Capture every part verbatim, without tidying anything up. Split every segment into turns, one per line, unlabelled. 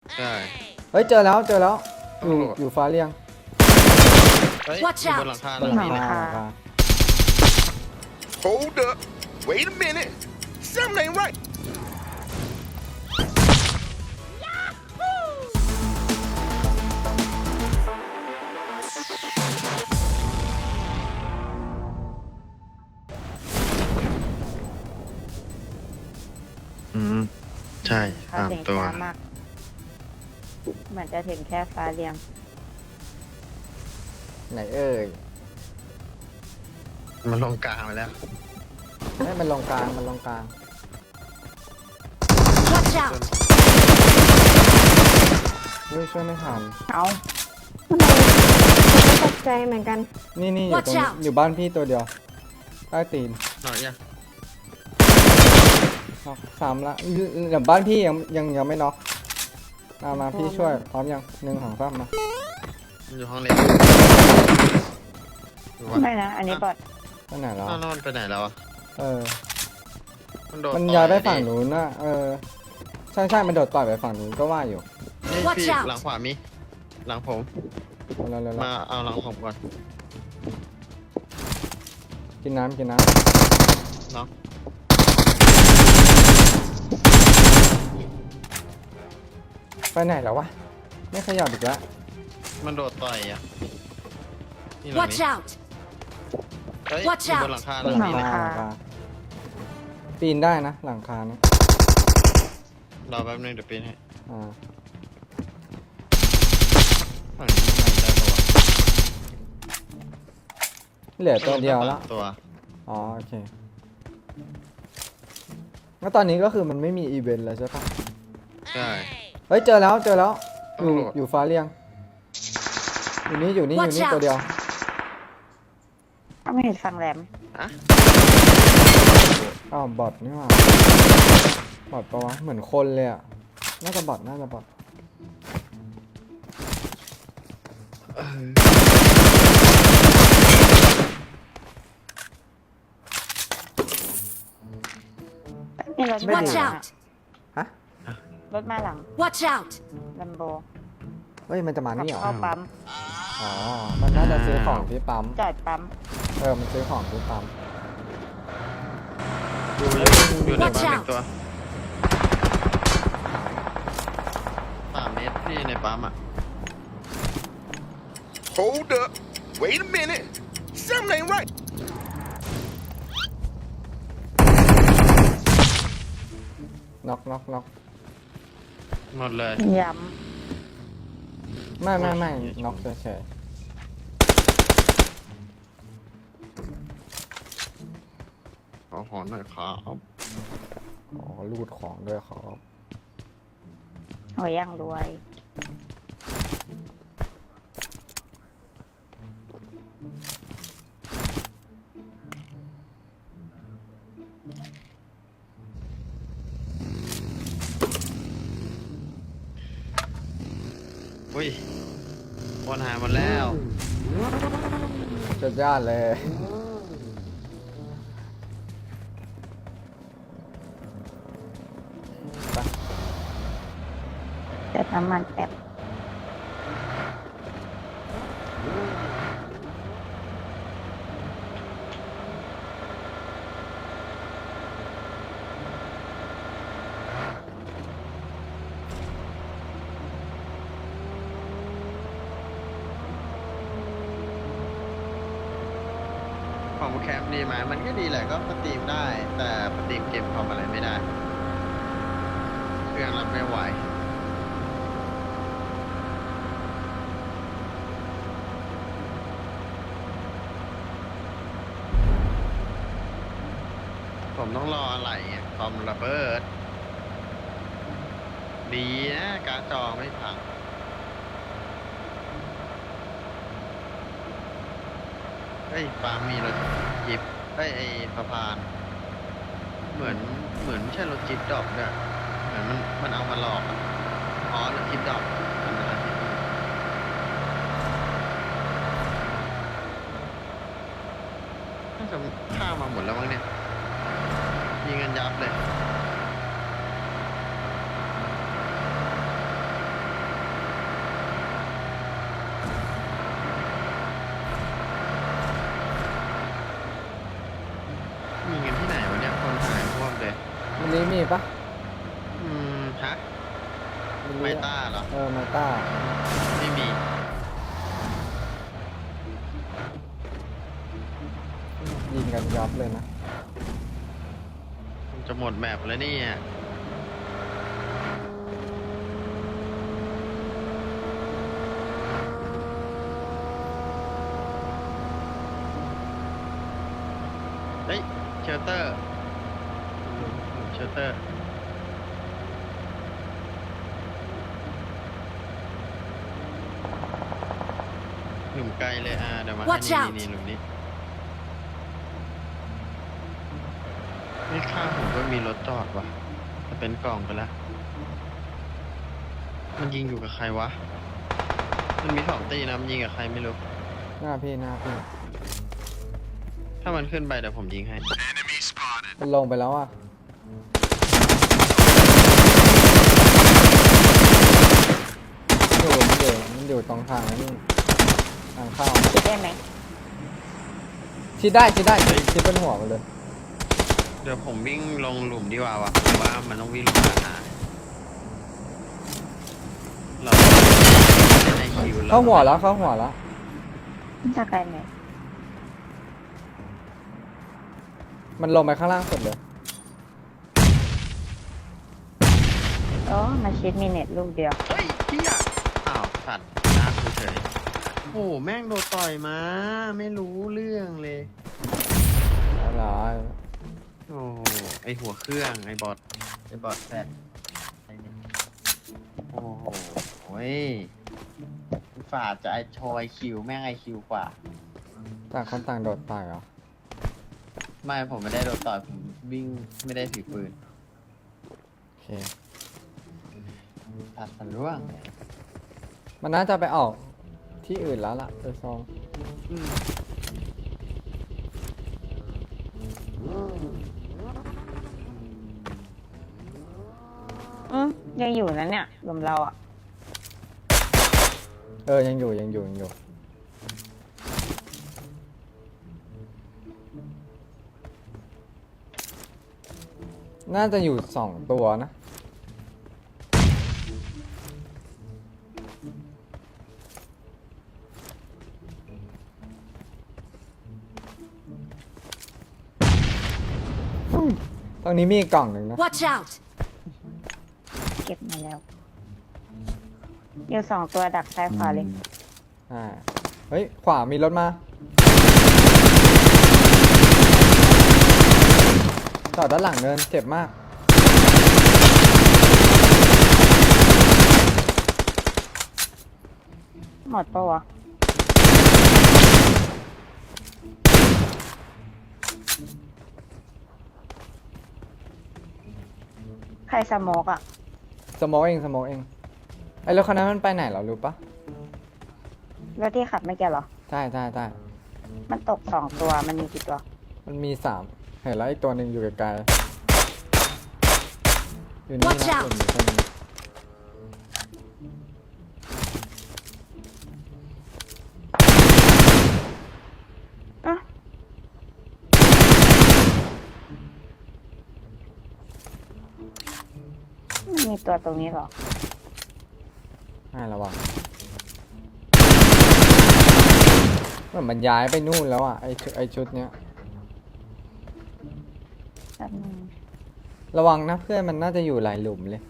ใช่
เฮ้ยเจอแล้วเจอแล้วอยู่อยู่ฟ้าเรียง
เฮ้ย
Watch
อยู่บ
out
นหลังคา
บ
หลั
น
ง
หลัง
นี้
คา
นะ
หลังคา
Hold up. Wait a minute. Something ain't right.
อืมใช่
เขา
สาม
เสียง
ตัว
ช้ามากเหมือนจะถึงแค่ฟ้าเรียง
ไหนเอ่ย
มันลงกลางไปแล้ว
ไม่มันลงกลางมันลงกลาง
Watch out!
เฮ้ยช่วยไม่ทัน
เอาทำไมตกใจเหมือนกัน
นี่นี่อยู่ตรง
Watch out
อยู่บ้านพี่ตัวเดียวใต้ตีน
หน่อยยัง
น็อกสามละเดี๋ยวบ้านพี่ยังยังยังไม่น็อกมามาพี่ช่วยพร้อมยังหนึ่งสองสามมา
มันอยู่ห้องเล็กอยู่วะ
ไม่นะ อันนี้บอด
ไปไหนแล้ว
อ้าวแล้วมันไปไหนแล้วอ่ะ
เออ
มันโดด
มัน
ต่อ
ย้ายไป
ดิ
ฝั่งนู้นนะเออใช่ใช่มันโดดต่อยไปฝั่งนู้นก็ว่าอยู่
นี่
Watch
พี่
out
หลังขวามีหลังผม
เร็วเร็วเร็ว
มาเอาหลังผมก่อน
กินน้ำกินน้
เนาะ
ำไปไหนแล้ววะไม่ขยับอีกแล้ว
มันโดดต่อยอ่ะนี่หลัง
Watch
นี้
out!
เฮ้ย
Watch
อยู่บ
out
นหลังคาห
บ
ลั
น
ง
หลัง
นี้นะ
คา
หลังคาปีนได้นะหลังคาเนี่ย
รอแป๊บนึงเดี๋ยวปีนให้
อ่า
ฝั่งนี้ไม่ได้ปะวะ
เหลือตัวเดียวละ
ตัว
อ๋อโอเคแล้วตอนนี้ก็คือมันไม่มีอีเวนต์แล้วใช่ปะ
ใช่
เฮ้ยเจอแล้วเจอแล้วอยู่
ตำรวจ
อยู่ฟ้าเรียงอยู่นี่อยู่นี่อยู่
Watch
นี่
out
ตัวเดียว
ก็ไม่เห็นฟังแหลม
อะ
อ้าวบอทนี่หว่าบอทปะวะเหมือนคนเลยอ่ะน่าจะบอทน่าจะบอท
นี่รถ
ไม่
มา
ดี
Watch
หลัง
out!
ฮะ
รถมาหลัง
Watch out!
ลัมโบ
เฮ้ยมันจะมา
ขับ
นี่เหรอ
เข้าปั๊ม
อ๋อมันน่าจะซื้อของที่ปั๊ม
จอดปั๊ม
เออมันซื้อของที่ปั๊ม
อยู่อยู่อยู่ใน
Watch
ปั๊มอี
out
กตัวสามเมตรพี่ในปั๊มอ่ะ
Hold up. Wait a minute. Something ain't right.
น็อกน็อกน็อก
หมดเลย
ย้
ไม่ไม่ไม่น็อกเฉย
ขอหอนหน่อยครับ
ๆอ๋อรูดของด้วยครับ
ำหัวย่างรวย
อุ้ยวนหายหมดแล้ว
สุดยอดเลยไป
เติมน้ำมันแป๊บ
ของแคมป์ดีไหมมันก็ดีแหละก็สตรีมได้ แต่สตรีมเกมคอมอะไรไม่ได้ เครื่องรับไม่ไหว ผมต้องรออะไรอ่ะคอมระเบิด ดีนะการ์ดจอไม่พัง เฮ้ยปาล์มมีรถจิบเฮ้ยไอ้สะพาน เหมือนเหมือนไม่ใช่รถจิบดอกด้วยเหมือนมันมันเอามาหลอกอะอ๋อรถจิบดอกมันเป็นรถจิบน่าจะฆ่ามาหมดแล้วมั้งเนี่ยยิงกันยับเลย
มีปะ
อืมฮะ
รู้
ไม
อะ
ต้าเหรอ
เออไมต้า
ไม่มี
ยิงกันยับเลยนะ
มันจะหมดแมปแล้วเนี่ยเฮ้ยเชลเตอร์เชลเตอร์หนุ่มไกลเลยอ่ะเดี๋ยวมาให้
Watch
นี่
out
นี่หนุ่มนี้ไม่ข้างผมก็มีรถจอดว่ะจะเป็นกล่องไปแล้ว มันยิงอยู่กับใครวะ มันมีสองตีนะมันยิงกับใครไม่รู้
หน้าพี่หน้าพี่
ถ้ามันขึ้นไปเดี๋ยวผมยิงให้
มันลงไปแล้วอ่ะอยู่มันอยู่มันอยู่ตรงทางนี่ทางเข้า
คิดได้ไหม
ชิดได้ชิดได้ชิดชิดเป็นหัวมันเลย
เดี๋ยวผมวิ่งลงหลุมดีกว่าวะผมว่ามันต้องวิ่งลงมาหาเราไม่ได้คิวแล้ว
เข้าหัวแล้วเข้าหัวแล้ว
จะไกลไหม
มันลงไปข้างล่างสุดเลย
อ๋อมาชิดมีเน็ตลูกเดียว
เฮ้ยเฮียอ้าวสัตว์น้าเฉยโอ้โหแม่งโดนต่อยมา ไม่รู้เรื่องเลย
อะไร
โอ้โหไอหัวเครื่องไอบอทไอบอทแฟดไอ้นี่โอ้โหเว้ยฝาดจะไอโชว์ไอคิวแม่งไอคิวกว่า
ต่างคนต่างโดดต่อยเหรอ
ไม่ผมไม่ได้โดนต่อยผมวิ่งไม่ได้ถือปืน
โอเค
ตัดสันร่วงเลย
มันน่าจะไปออกที่อื่นแล้วล่ะโดยซอง
อืม
อืมยังอยู่นะเนี่ยรวมเราอ่ะ
เออยังอยู่ยังอยู่ยังอยู่ น่าจะอยู่สองตัวนะ ตรงนี้มีอีกกล่องหนึ่งนะ
Watch out!
เก็บมาแล้วอยู่สองตัวดักซ้ายขวาเลย
อ่า เฮ้ย ขวามีรถมา จอดด้านหลังเนินเจ็บมาก
หมดปะวะใครสโมกอ่ะ
สโมองเองสโมองเอง ไอ้รถคันนั้นมันไปไหนเหรอรู้ปะ
รถที่ขับไม่แก่เหรอ
ใช่ใช่ใช่
มันตกสองตัวมันมีกี่ตัว
มันมีสามเห็นแล้วอีกตัวหนึ่งอยู่ไกลๆอยู่นี่
Watch
นะ
out
อยู่นี่คนหนึ่ง
อ่ะมันมีตัวตรงนี้เหรอ
ให้ระวังเหมือนมันย้ายไปนู่นแล้วอ่ะไอชุดไอชุดเนี้ย
แป๊บนึง
ระวังนะเพื่อนมันน่าจะอยู่หลายหลุมเลย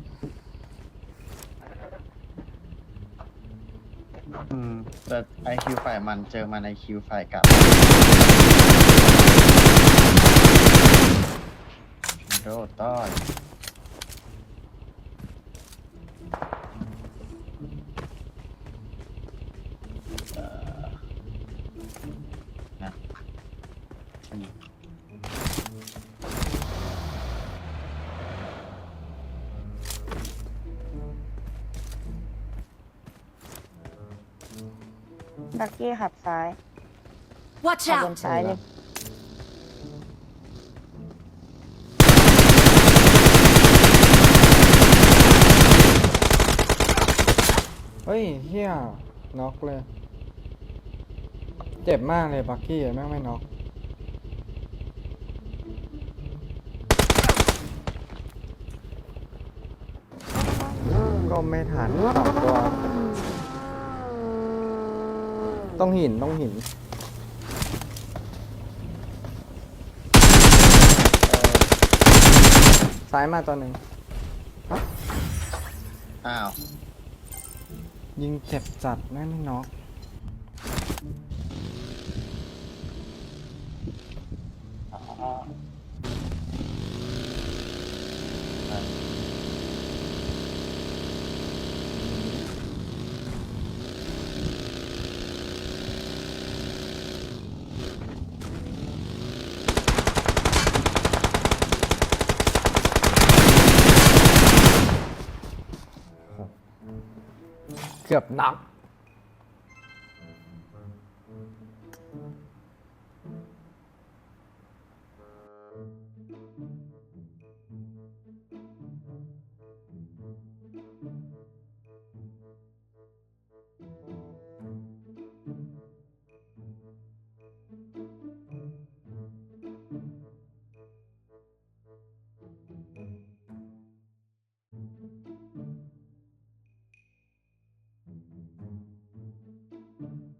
อืมแต่ไอคิวฝ่ายมันเจอมันไอคิวฝ่ายกลับโดดต้อยเอ่อนะอืม
ดักกี้ขับซ้าย
Watch
ขับบน
out!
ซ้ายเลย
เฮ้ยเฮียน็อกเลย เจ็บมากเลยบักกี้แม่งไม่น็อกก็ไม่ทันสองตัว ต้องหินต้องหินซ้ายมาตัวหนึ่ง
อ้าว
ยิงเจ็บจัดแม่ไม่น็อกเกือบน็อก